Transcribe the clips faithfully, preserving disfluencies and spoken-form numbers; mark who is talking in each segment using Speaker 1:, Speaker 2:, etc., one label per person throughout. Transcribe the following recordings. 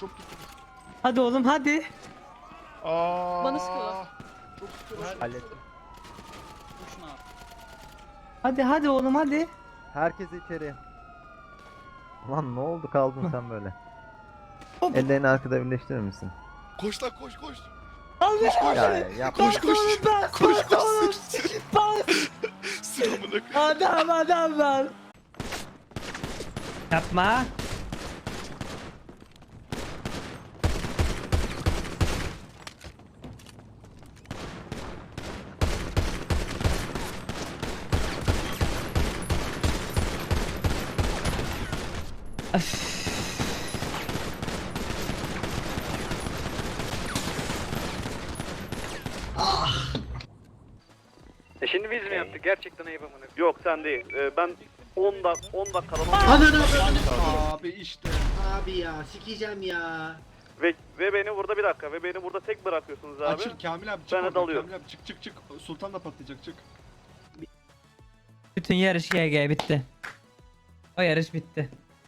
Speaker 1: çok gittiniz.
Speaker 2: Hadi oğlum hadi.
Speaker 1: Aa.
Speaker 3: Bana sıkıyorlar.
Speaker 1: Çok sıkıyorlar.
Speaker 4: Hallettim.
Speaker 2: Hadi hadi oğlum hadi.
Speaker 4: Herkes içeri. Lan ne oldu kaldın sen böyle?
Speaker 2: Hop.
Speaker 4: Ellerini arkada birleştirir misin?
Speaker 1: Koş lan koş koş.
Speaker 2: Allah
Speaker 1: koş.
Speaker 4: Ya yapma.
Speaker 1: Koş koş.
Speaker 2: Bas
Speaker 1: Koş
Speaker 2: bas
Speaker 1: koş.
Speaker 2: oğlum. Bas.
Speaker 1: Sıramına koy.
Speaker 2: Adam adam var. Yapma. Öf.
Speaker 5: E şimdi biz mi yaptık? Gerçekten ayıp amına. Yok sen değil. Ee, ben on dak on dakikadan
Speaker 6: Ananı Abi işte. Abi ya sikeceğim ya.
Speaker 5: ve ve beni burada bir dakika ve beni burada tek bırakıyorsunuz abi.
Speaker 6: Açıl Kamil abi çık
Speaker 5: Ben de
Speaker 6: oradan,
Speaker 5: dalıyorum.
Speaker 6: Kamil abi çık çık çık. Sultan da patlayacak çık.
Speaker 2: Bütün yarış G G bitti. O yarış bitti.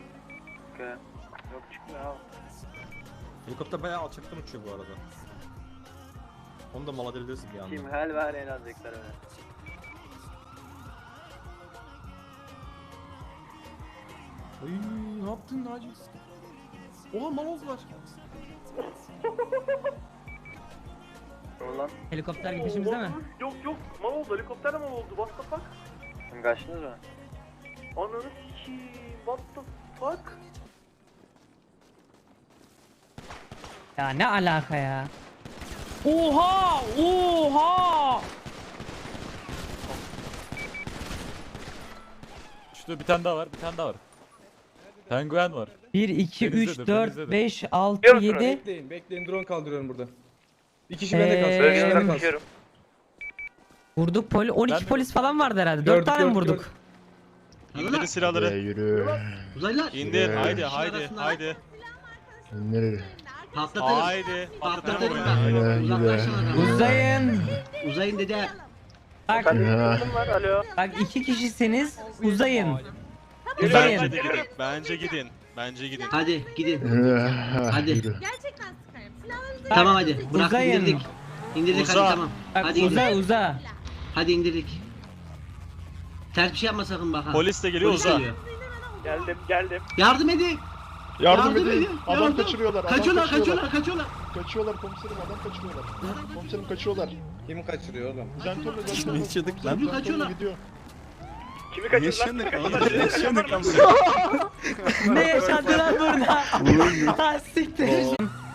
Speaker 5: Yok çıkmıyor abi.
Speaker 7: Helikopter bayağı alçaktan uçuyor bu arada. Onu da mal edebilirsin bir anda.
Speaker 5: Kim hel ver en azıcıklar öyle.
Speaker 7: Ay ne yaptın Naci? Oha mal oldular.
Speaker 5: Ulan.
Speaker 2: Helikopter peşimizde mi?
Speaker 5: Yok yok mal oldu helikopter de mal oldu what the fuck? Kaçtınız mı? Ananı sikiyim what the fuck?
Speaker 2: Ya ne alaka ya? Oha! Oha!
Speaker 8: Şurada bir tane daha var, bir tane daha var. Penguen var.
Speaker 2: bir, iki,
Speaker 8: Denizdedir,
Speaker 2: üç, dört,
Speaker 8: denizdedir.
Speaker 2: beş, altı,
Speaker 5: Yok,
Speaker 2: yedi.
Speaker 7: Bekleyin bekleyin drone kaldırıyorum burada. Bir kişi
Speaker 2: Ee,
Speaker 7: bende kalsın. Bir kişi bende kalsın.
Speaker 2: Vurduk poli on iki
Speaker 8: Ben de-
Speaker 2: polis falan vardı herhalde.
Speaker 7: Gördük,
Speaker 2: dört tane mi
Speaker 7: gördük,
Speaker 2: vurduk?
Speaker 6: İndirin
Speaker 1: silahları. Yürü.
Speaker 6: Uzaylılar.
Speaker 1: İndir, haydi,
Speaker 6: haydi, haydi.
Speaker 1: İndir.
Speaker 6: Patlatırım.
Speaker 1: Haydi.
Speaker 6: Patlatırım
Speaker 1: Aynen,
Speaker 6: bak. Uzaklaşın adam.
Speaker 2: Uzayın.
Speaker 6: Uzayın dede.
Speaker 2: Bak,
Speaker 5: Kim var alo?
Speaker 2: bak iki kişisiniz. Uzayın.
Speaker 8: Bence
Speaker 2: Uzayın.
Speaker 8: de gidin. Bence gidin. Bence gidin.
Speaker 6: Hadi gidin. Hadi.
Speaker 3: Gerçekten sıkarım. Silahlarınızı
Speaker 6: Tamam hadi. Bırak
Speaker 2: Uzayın.
Speaker 6: indirdik. İndirdik
Speaker 8: Uza.
Speaker 6: hadi tamam.
Speaker 2: Bak
Speaker 6: Hadi
Speaker 2: uza
Speaker 6: indir.
Speaker 2: uza.
Speaker 6: Hadi indirdik. Ters bir şey yapma sakın bak ha.
Speaker 8: Polis de geliyor
Speaker 6: Polis
Speaker 8: uza.
Speaker 6: geliyor.
Speaker 5: Geldim geldim.
Speaker 6: Yardım edin.
Speaker 1: Yardım
Speaker 6: Yardım
Speaker 1: edin.
Speaker 6: edin,
Speaker 1: Adam
Speaker 6: yardım.
Speaker 1: kaçırıyorlar. Adam
Speaker 6: Kaçıyorlar
Speaker 1: kaçırıyorlar.
Speaker 6: kaçıyorlar kaçıyorlar.
Speaker 1: Kaçıyorlar komiserim adam kaçırıyorlar. Komiserim kaçıyorlar.
Speaker 7: Kim kaçırıyor oğlum?
Speaker 1: Zentörle zentörle.
Speaker 7: yaşadık lan?
Speaker 1: Komiserim,
Speaker 6: Kaçıyorlar.
Speaker 1: zentörle gidiyor.
Speaker 5: Kimi kaçırdın lan?
Speaker 7: Yaşandık ama.
Speaker 2: Ne yaşandı lan burada? Ha siktir.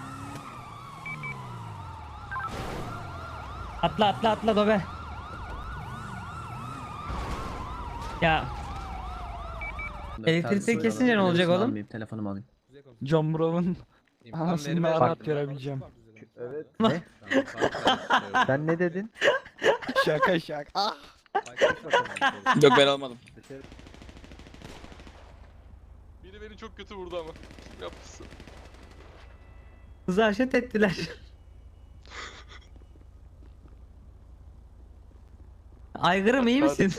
Speaker 2: Atla atla atla dobe. Ya. Elektrikte kesince ne olacak oğlum?
Speaker 6: Telefonumu alayım.
Speaker 9: John Brown'un anasını ben rahat
Speaker 4: Bak.
Speaker 9: görebileceğim.
Speaker 4: Evet. Ne? Sen ne dedin?
Speaker 9: Şaka şaka.
Speaker 7: Yok ben almadım.
Speaker 8: Biri beni çok kötü vurdu ama. Yapsın.
Speaker 2: Kızı haşet ettiler. Aygırım iyi misin?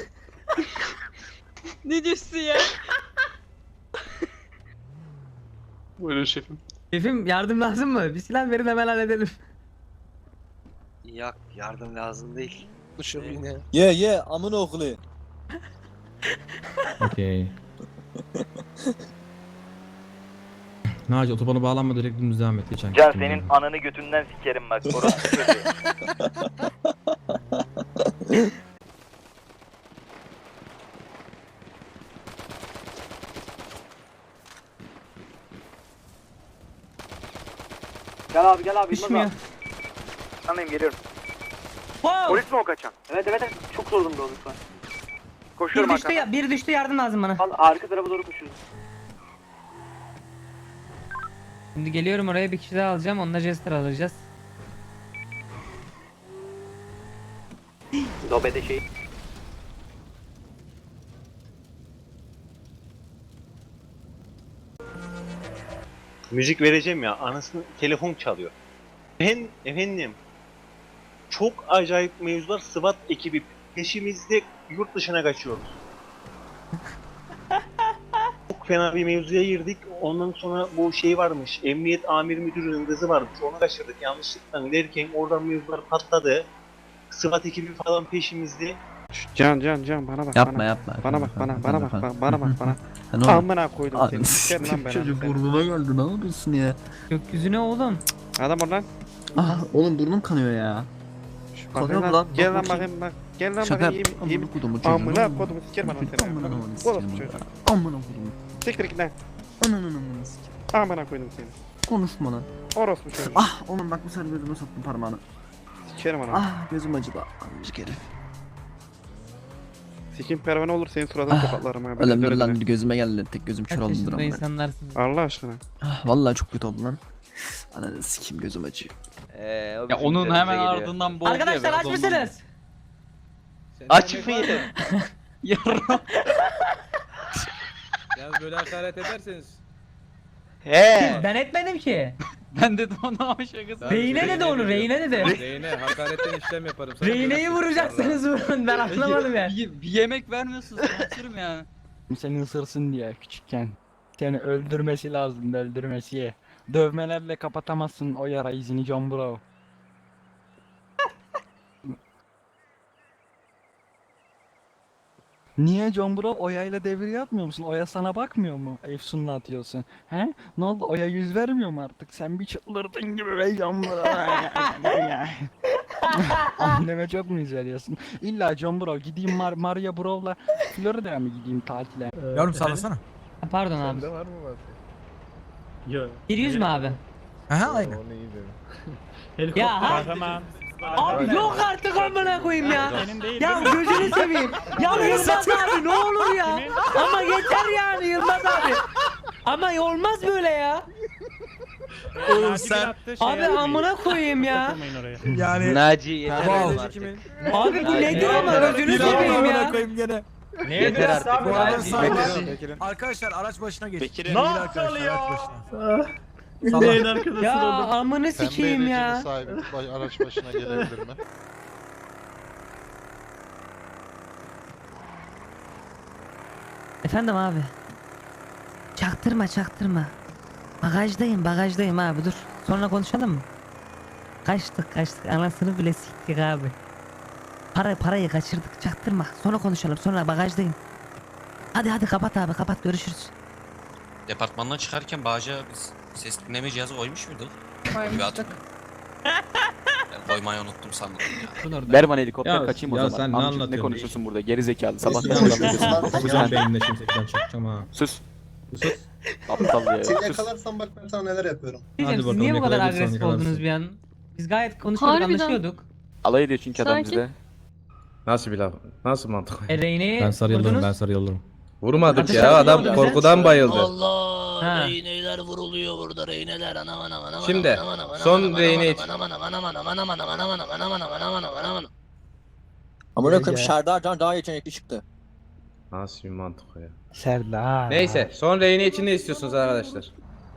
Speaker 3: Ne diyorsun ya?
Speaker 8: Buyurun şefim.
Speaker 2: Şefim yardım lazım mı? Bir silah verin hemen halledelim.
Speaker 5: Yok yardım lazım değil.
Speaker 7: Ye ye amına okulu.
Speaker 9: Okey. Naci otobana bağlanma direkt dümdüz devam et geçen.
Speaker 5: Can senin ananı götünden sikerim bak orası kötü. Gel abi gel abi.
Speaker 2: Düşmüyor.
Speaker 5: Anlayayım geliyorum.
Speaker 2: Wow!
Speaker 5: Polis mi o kaçan? Evet evet evet. Çok zor durumda olduk şu an. Koşuyorum
Speaker 2: Bir düştü,
Speaker 5: arkadan.
Speaker 2: ya, bir düştü yardım lazım bana.
Speaker 5: Al arka tarafa doğru koşuyoruz.
Speaker 2: Şimdi geliyorum oraya bir kişi daha alacağım. Onunla Jester alacağız.
Speaker 5: Dobede şey.
Speaker 10: Müzik vereceğim ya, anasını telefon çalıyor. Ben efendim, çok acayip mevzular, SWAT ekibi peşimizde, yurt dışına kaçıyoruz. Çok çok fena bir mevzuya girdik. Ondan sonra bu şey varmış. Emniyet amir müdürünün kızı varmış. Onu kaçırdık yanlışlıkla derken oradan mevzular patladı. SWAT ekibi falan peşimizde.
Speaker 1: Can can can bana bak
Speaker 11: Yapma
Speaker 1: bana.
Speaker 11: yapma.
Speaker 1: Bana bak bana bana bak bana, bana bak bana.
Speaker 11: Ne oldu?
Speaker 1: Amına koydum seni. Sikerim lan ben.
Speaker 11: Çocuk
Speaker 1: seni.
Speaker 11: burnuma geldi, ne yapıyorsun ya?
Speaker 2: Gökyüzüne oğlum.
Speaker 1: Adam oradan.
Speaker 11: Ah oğlum burnum kanıyor ya.
Speaker 1: Şu
Speaker 11: Kanıyor
Speaker 1: bakayım
Speaker 11: mu
Speaker 1: lan.
Speaker 11: lan?
Speaker 1: Gel
Speaker 11: Bak
Speaker 1: lan
Speaker 11: bakayım.
Speaker 1: bakayım bak. Gel lan
Speaker 11: Şaka
Speaker 1: bakayım.
Speaker 11: yaptım.
Speaker 1: Yemin
Speaker 11: Amına kodumu çocuğu.
Speaker 1: Amına kodumu sikerim bana seni.
Speaker 11: Amına kodumu
Speaker 1: Oğlum
Speaker 11: sikerim
Speaker 1: çocuğu.
Speaker 11: ben. Amına kodumu.
Speaker 1: Siktir git lan.
Speaker 11: Ananı amına sikerim.
Speaker 1: Amına koydum seni.
Speaker 11: Konuşma lan.
Speaker 1: Orospu çocuğu.
Speaker 11: Ah oğlum bak bu sefer gözüme soktum parmağını.
Speaker 1: Sikerim ana.
Speaker 11: Ah gözüm acıdı. Amcık herif.
Speaker 1: Sikim pervane olur senin suratını
Speaker 11: Ah,
Speaker 1: tokatlarım ha.
Speaker 11: Öyle
Speaker 1: Böyle
Speaker 11: mi lan
Speaker 1: böyle.
Speaker 11: gözüme geldi. Tek gözüm kör
Speaker 2: Kaç
Speaker 11: oldu
Speaker 2: yaşında
Speaker 11: amına.
Speaker 2: insanlarsınız.
Speaker 1: Allah aşkına.
Speaker 11: Ah vallahi çok kötü oldu lan. Ananı sikeyim gözüm acıyor.
Speaker 8: Ya onun hemen ardından boğuldu ya.
Speaker 2: Arkadaşlar
Speaker 8: biraz
Speaker 2: aç
Speaker 8: ondan.
Speaker 2: mısınız?
Speaker 10: Açık mıydı?
Speaker 8: Yarram.
Speaker 7: Yalnız böyle hakaret ederseniz.
Speaker 10: He.
Speaker 2: Ben etmedim ki.
Speaker 8: Ben dedim ona ama şakası.
Speaker 2: Reyne dedi onu, Reyne dedi.
Speaker 7: Reyne hakaretten işlem yaparım. Sen
Speaker 2: Reyne'yi
Speaker 7: görürsün.
Speaker 2: vuracaksınız vurun. Ben anlamadım ya.
Speaker 8: Bir, bir yemek vermiyorsun sanırım yani.
Speaker 6: Seni ısırsın diye küçükken. Seni öldürmesi lazım, öldürmesi. Dövmelerle kapatamazsın o yara izini John Bro. Niye John Bro Oya'yla devir yapmıyor musun? Oya sana bakmıyor mu? Efsun'la atıyorsun. He? Ne oldu? Oya yüz vermiyor mu artık? Sen bir çıldırdın gibi be John Bro. Anneme çok mu yüz veriyorsun? İlla John Bro gideyim Mar Maria Bro'la Florida'ya mı gideyim tatile?
Speaker 9: Yavrum sallasana.
Speaker 2: Ha, Pardon abi.
Speaker 1: Sende var mı var?
Speaker 2: Bir yüz mü abi?
Speaker 9: Aha aynen.
Speaker 1: O neydi?
Speaker 2: Ya ha? Abi yok artık amına koyayım ya. Ya gözünü seveyim. Ya Yılmaz abi ne olur ya. Ama yeter yani Yılmaz abi. Ama olmaz böyle ya.
Speaker 9: Oğlum sen
Speaker 2: Abi amına koyayım ya.
Speaker 9: yani.
Speaker 10: Naci yeter
Speaker 9: Wow.
Speaker 10: artık.
Speaker 2: Abi bu nedir ama gözünü
Speaker 9: Bir
Speaker 2: seveyim
Speaker 9: amına
Speaker 2: ya.
Speaker 9: koyayım gene.
Speaker 10: Yeter artık.
Speaker 9: Bu arada
Speaker 10: Naci.
Speaker 9: sağ- Arkadaşlar araç başına geç.
Speaker 10: Bekir'in-
Speaker 9: Ne arkadaşlar araç başına. Salla.
Speaker 2: Ya amını sikeyim ya.
Speaker 1: sahibi araç başına gelebilir mi?
Speaker 2: Efendim abi. Çaktırma çaktırma. Bagajdayım bagajdayım abi dur. Sonra konuşalım mı? Kaçtık kaçtık anasını bile siktik abi. Para parayı kaçırdık çaktırma. Sonra konuşalım sonra bagajdayım. Hadi hadi kapat abi kapat görüşürüz.
Speaker 12: Departmandan çıkarken bağaca biz ses dinleme cihazı koymuş muyduk?
Speaker 3: Koymuştuk.
Speaker 12: Ben koymayı unuttum sandım ya.
Speaker 6: Ver bana helikopter
Speaker 9: Ya-
Speaker 6: kaçayım o
Speaker 9: ya
Speaker 6: zaman.
Speaker 9: sen ne
Speaker 6: Amcık,
Speaker 9: anlatıyorsun?
Speaker 6: konuşuyorsun burada geri zekalı sabah
Speaker 9: Yanlış konuşuyorsun. Kuzen beyninde şimdi ben çakacağım ha.
Speaker 6: Sus.
Speaker 9: Sus.
Speaker 6: Aptal ya. Sus.
Speaker 5: Yakalarsan bak ben sana neler yapıyorum.
Speaker 2: Diyeceğim, siz
Speaker 9: bakalım,
Speaker 2: niye bu kadar
Speaker 9: yakalayabilirsen
Speaker 2: agresif
Speaker 9: yakalarsın.
Speaker 2: oldunuz bir an? Biz gayet konuşuyorduk
Speaker 3: Harbiden.
Speaker 2: anlaşıyorduk.
Speaker 6: Alay ediyor çünkü adam
Speaker 3: Sakin.
Speaker 6: bizde.
Speaker 9: Nasıl bir laf? Nasıl mantık?
Speaker 2: E Reyne'yi
Speaker 9: Ben sarı yıldırım,
Speaker 2: vurdunuz.
Speaker 9: ben sarı yıldırım.
Speaker 1: Vurmadık
Speaker 2: Ateş
Speaker 1: ya
Speaker 2: ediyor
Speaker 1: adam
Speaker 2: bize.
Speaker 1: korkudan bayıldı.
Speaker 12: Allah
Speaker 2: Ha.
Speaker 12: reyneler vuruluyor burada reyneler anam anam anam
Speaker 1: Şimdi,
Speaker 12: anam, anam, anam,
Speaker 1: son
Speaker 12: anam,
Speaker 1: reyne
Speaker 12: anam,
Speaker 1: için.
Speaker 12: anam, anam, anam, anam, anam, anam, anam, anam, anam, anam, anam, anam, anam, anam.
Speaker 6: Amına koyayım Serdar daha yetenekli çıktı.
Speaker 1: Nasıl bir mantık o ya?
Speaker 6: Serdar.
Speaker 1: Neyse son reyne için ne istiyorsunuz arkadaşlar?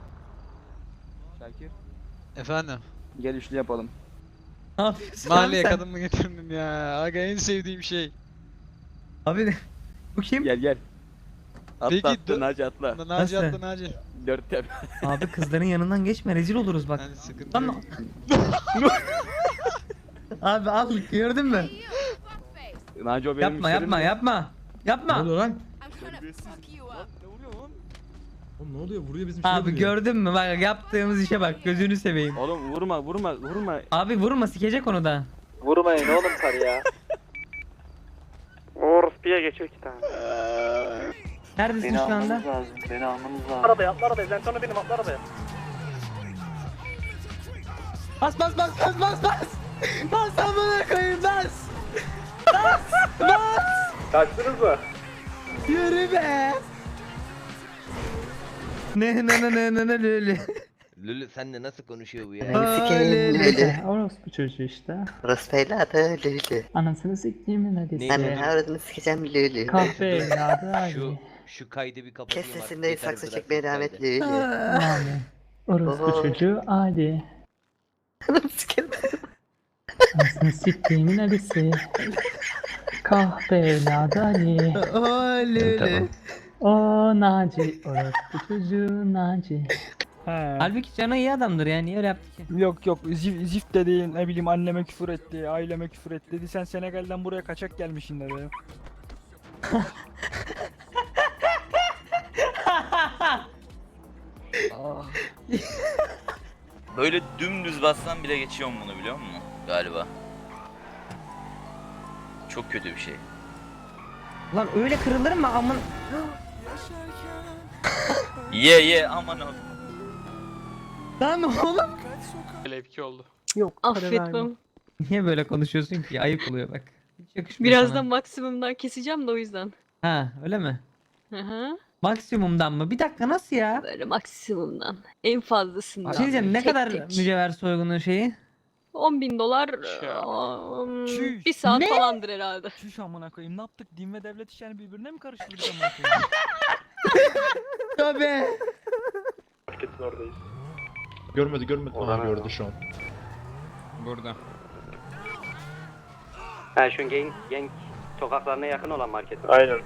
Speaker 6: Şakir
Speaker 8: Efendim.
Speaker 6: gel üçlü yapalım.
Speaker 2: Ne yapıyorsun abi sen?
Speaker 8: kadın mı getirdin ya? Aga en sevdiğim şey.
Speaker 2: Abi bu kim?
Speaker 6: Gel gel. Atla
Speaker 8: Peki,
Speaker 6: atla
Speaker 8: dur.
Speaker 6: Naci atla.
Speaker 2: Nasıl? atla,
Speaker 8: Naci.
Speaker 6: Dört yap.
Speaker 2: Abi kızların yanından geçme rezil oluruz bak.
Speaker 8: sıkıntı
Speaker 2: Lan Abi al gördün mü?
Speaker 6: Naci o benim
Speaker 2: Yapma yapma yapma.
Speaker 9: Ne
Speaker 2: Yapma.
Speaker 9: oluyor lan? Oğlum ne oluyor? Vuruyor bizim şeye
Speaker 2: Abi
Speaker 9: vuruyor.
Speaker 2: gördün mü bak yaptığımız işe bak gözünü seveyim.
Speaker 6: Oğlum vurma vurma vurma.
Speaker 2: Abi vurma sikecek onu da.
Speaker 6: Vurmayın oğlum sarı ya.
Speaker 5: Orospu'ya geçiyor iki tane.
Speaker 2: Neredesin şu anda?
Speaker 5: lazım. Beni almanız lazım. Arabaya atla arabaya. Ben sonra benim atla arabaya.
Speaker 2: Bas bas bas bas bas bas. Bas amına koyayım bas. Bas bas.
Speaker 5: Kaçtınız mı?
Speaker 2: Yürü be. Ne ne ne ne ne ne lülü.
Speaker 12: Lülü senle nasıl konuşuyor bu ya?
Speaker 2: Lülü.
Speaker 6: Orospu çocuğu işte.
Speaker 12: Rastayla da Lülü.
Speaker 6: Anasını siktiğimin hadi.
Speaker 12: Aradığını sikeceğim Lülü.
Speaker 6: Kahve evladı
Speaker 12: Şu, şu kaydı bir kapatayım. Kes sesinde saksı çekmeye devam et Lülü.
Speaker 6: Abi. Orospu çocuğu hadi.
Speaker 12: Sikerim.
Speaker 6: Anasını siktiğimin Ali'si. Kahve evladı Ali.
Speaker 2: O lülü. O Naci, orospu çocuğu Naci.
Speaker 6: He.
Speaker 2: Halbuki Cano iyi adamdır yani, niye öyle yaptı ki?
Speaker 6: Yok yok zif, zift dedi, ne bileyim anneme küfür etti, aileme küfür etti dedi, sen Senegal'den buraya kaçak gelmişsin dedi. Ah.
Speaker 12: Böyle dümdüz bassan bile geçiyorum bunu, biliyor musun? Galiba. Çok kötü bir şey.
Speaker 2: Lan öyle kırılır mı amın?
Speaker 12: Ye ye aman oğlum.
Speaker 2: Lan oğlum.
Speaker 5: Levki oldu.
Speaker 3: Yok affetmem.
Speaker 2: Niye böyle konuşuyorsun ki? Ayıp oluyor bak. Hiç yakışmıyor sana.
Speaker 3: Birazdan maksimumdan keseceğim de o yüzden.
Speaker 2: Ha öyle mi?
Speaker 3: Hı hı.
Speaker 2: Maksimumdan mı? Bir dakika nasıl ya?
Speaker 3: Böyle maksimumdan. En fazlasından.
Speaker 2: Bir şey diyeceğim, ne
Speaker 3: Tek
Speaker 2: kadar
Speaker 3: tek.
Speaker 2: mücevher soygunu şeyi?
Speaker 3: on bin dolar
Speaker 5: Ya.
Speaker 3: um,
Speaker 6: Çüş.
Speaker 3: bir saat
Speaker 2: Ne?
Speaker 3: falandır herhalde.
Speaker 6: Çüş amına koyayım, ne yaptık? Din ve devlet işlerini birbirine mi karıştırdık amına koyayım?
Speaker 2: Tabii.
Speaker 5: Marketin oradayız.
Speaker 7: Görmedi görmedi.
Speaker 5: Aa,
Speaker 7: gördü şu an.
Speaker 9: Burada.
Speaker 10: Ha şu genk, genk sokaklarına yakın olan market.
Speaker 5: Aynen.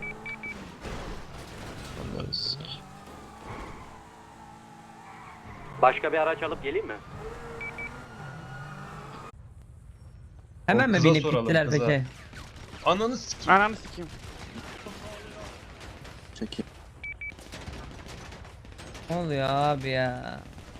Speaker 10: Başka bir araç alıp geleyim mi?
Speaker 2: Hemen mi
Speaker 7: kıza
Speaker 2: binip
Speaker 7: soralım,
Speaker 2: gittiler
Speaker 7: kıza.
Speaker 2: peki?
Speaker 7: Ananı sikeyim.
Speaker 5: Ananı sikeyim.
Speaker 11: Çekil.
Speaker 2: Ne oluyor abi ya?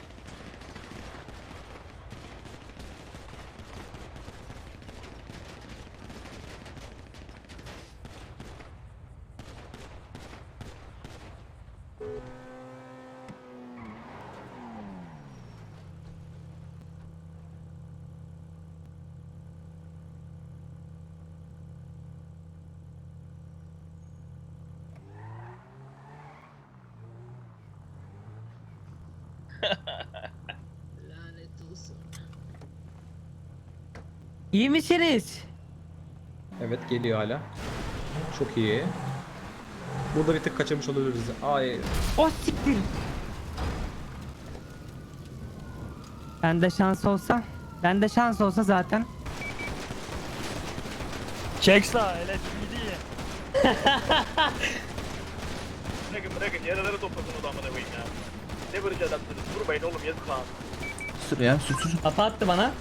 Speaker 2: İyi misiniz?
Speaker 7: Evet geliyor hala. Çok iyi. Burada bir tık kaçırmış olabiliriz. Ay.
Speaker 2: O siktir. Bende şans olsa, bende şans olsa zaten.
Speaker 6: Çek sağ, hele şimdi.
Speaker 5: Bırakın bırakın yaraları toplasın o da amına koyayım ya. Ne barış adamsınız, vurmayın oğlum yazık lan.
Speaker 11: Sür ya sür sür.
Speaker 2: Kafa attı bana.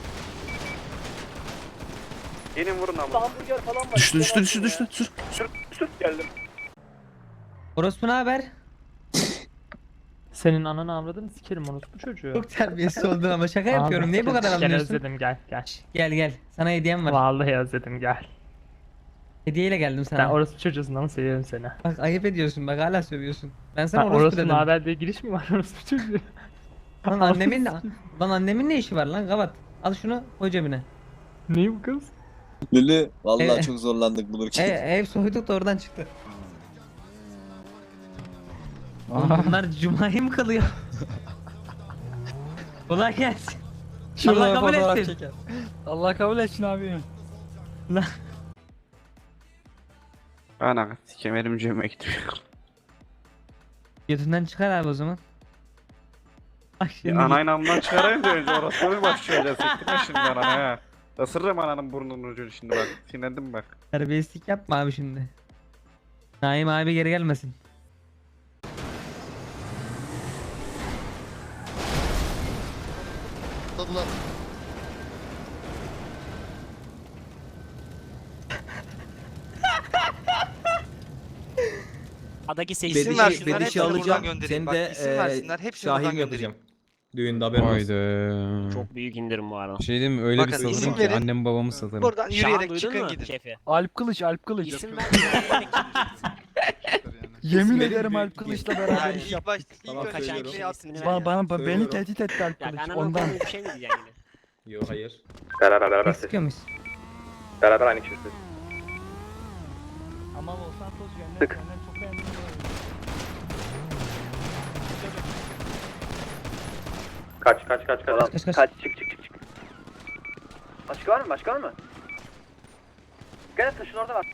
Speaker 10: Gelin vurun ama.
Speaker 5: Hamburger falan var.
Speaker 11: Düştü düştü düştü düştü. Sür.
Speaker 5: Sür sür geldim.
Speaker 2: Orospu ne haber?
Speaker 6: Senin ananı avradını sikerim orospu çocuğu.
Speaker 2: Çok terbiyesiz oldun ama şaka yapıyorum. Niye bu kadar anlıyorsun?
Speaker 6: özledim gel gel.
Speaker 2: Gel gel. Sana hediyem var.
Speaker 6: Vallahi özledim gel.
Speaker 2: Hediyeyle geldim sana.
Speaker 6: orospu çocuğusun ama seviyorum seni.
Speaker 2: Bak ayıp ediyorsun. Bak hala sövüyorsun. Ben sana orospu dedim.
Speaker 6: haber diye giriş mi var orospu çocuğu?
Speaker 2: Lan annemin lan annemin ne işi var lan? Kapat. Al şunu koy cebine.
Speaker 6: Ne bu kız?
Speaker 11: Lülü vallahi
Speaker 2: Evet.
Speaker 11: çok zorlandık bulurken.
Speaker 2: E, ev soyduk da oradan çıktı. Oğlum bunlar cumayı mı kılıyor? Kolay gelsin. Allah kabul etsin.
Speaker 6: Allah kabul etsin abi.
Speaker 10: Ana sikemerim cebime gitmiyor.
Speaker 2: Götünden çıkar abi o zaman. Bak şimdi.
Speaker 10: Anayla çıkarayım da önce orası mı başlayacağız? Siktirme şimdi anana ya. Isırırım ananın burnunun ucunu şimdi bak. Sinirlendim bak.
Speaker 2: Terbiyesizlik yapma abi şimdi. Naim abi geri gelmesin.
Speaker 12: Adaki
Speaker 7: Bedişi, bedişi alacağım. Seni de eee şahim yapacağım. Düğünde haberin olsun.
Speaker 12: Çok büyük indirim bu arada.
Speaker 9: Şey diyeyim mi? Öyle
Speaker 10: Bakın,
Speaker 9: bir
Speaker 10: isim
Speaker 9: satırım ki
Speaker 10: verin.
Speaker 9: annem babamı satarım.
Speaker 10: Buradan yürüyerek çıkın gidin.
Speaker 12: Şefi.
Speaker 6: Alp Kılıç, Alp Kılıç.
Speaker 12: İsim ver.
Speaker 6: Yemin
Speaker 7: Verin,
Speaker 6: ederim
Speaker 7: büyük
Speaker 6: Alp
Speaker 7: bir
Speaker 6: Kılıç'la beraber iş
Speaker 10: ilk
Speaker 6: yap.
Speaker 10: başta
Speaker 7: Tamam,
Speaker 10: ilk önce
Speaker 7: söylüyorum.
Speaker 10: şey at.
Speaker 12: İsmini ver
Speaker 6: Bana,
Speaker 12: ya.
Speaker 6: bana, beni
Speaker 7: Söylüyorum.
Speaker 6: tehdit etti Alp
Speaker 12: Ya
Speaker 6: Kılıç.
Speaker 12: kanalına
Speaker 6: Ondan.
Speaker 12: koyduğun bir şey mi diyeceksin yine?
Speaker 7: Yok hayır.
Speaker 5: Beraber beraber ses.
Speaker 2: Sıkıyor muyuz?
Speaker 5: Beraber aynı kişi ses.
Speaker 6: Ama Los Santos yönlen,
Speaker 5: Tık.
Speaker 6: senden çok beğendim.
Speaker 5: Kaç kaç kaç kaç.
Speaker 2: Kaç kaç.
Speaker 5: Kaç çık çık çık çık. Başka var mı? Başka var mı? Gel taşın orada var.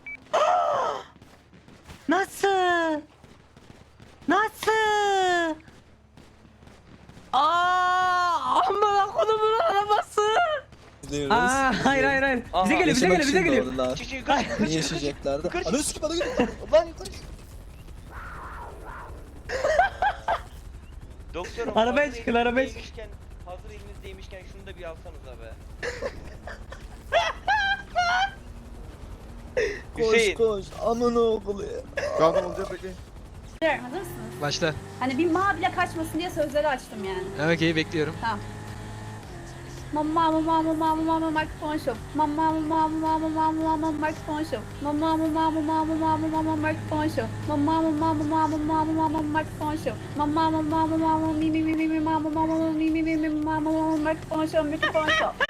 Speaker 2: Nasıl? Nasıl? Aa, amına kodumun arabası. Aa, hayır hayır hayır. Bize geliyor, bize geliyor, bize geliyor.
Speaker 11: Niye yaşayacaklardı? Anı sikip bana geliyor. Lan yukarı.
Speaker 5: Doktorum,
Speaker 2: Arabaya
Speaker 5: hazır
Speaker 2: çıkın, arabaya
Speaker 5: elinizdeymişken- Hazır elinizdeymişken şunu da bir alsanıza be. Hüseyin.
Speaker 11: koş amına okulu ya.
Speaker 4: Kaldım olacak peki.
Speaker 13: Hazır mısınız?
Speaker 6: Başla.
Speaker 13: Hani bir ma bile kaçmasın diye sözleri açtım yani.
Speaker 6: Okey bekliyorum.
Speaker 13: Mama mama mama mama mikrofon show. Mama mama mama mama mama mikrofon show. Mama mama mama mama mama mikrofon show. Mama mama mama mama mama mikrofon show. Mama mama mama mi mi mi mi mama mama mi mi mi mi mama mikrofon show mikrofon show.